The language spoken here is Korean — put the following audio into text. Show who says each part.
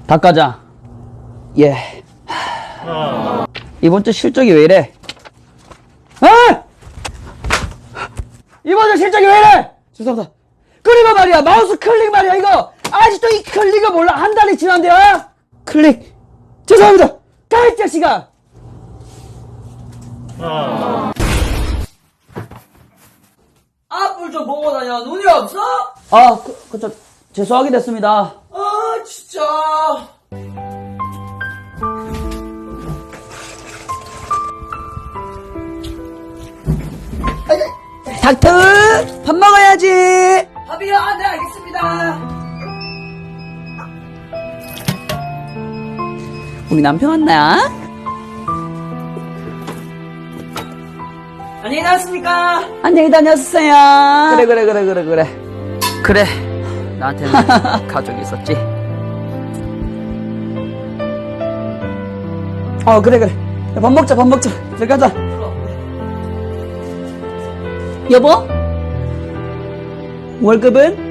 Speaker 1: 닭가자. 예. 이번 주 실적이 왜 이래? 아! 이번 주 실적이 왜 이래? 죄송합니다. 그리고 말이야, 마우스 클릭 말이야, 이거! 아직도 이 클릭을 몰라. 한 달이 지났는데요? 클릭. 죄송합니다. 가, 이 자식아!
Speaker 2: 앞을 좀 보고 다녀. 눈이 없어?
Speaker 1: 아, 죄송하게 됐습니다.
Speaker 2: 아, 진짜.
Speaker 1: 닥터! 밥 먹어야지!
Speaker 2: 밥이요? 아, 네, 알겠습니다.
Speaker 1: 우리 남편 왔나?
Speaker 2: 안녕히 다녔습니까?
Speaker 1: 안녕히 다녔어요. 그래. 나한테는 가족이 있었지. 그래. 야, 밥 먹자. 들어가자. 여보? 월급은?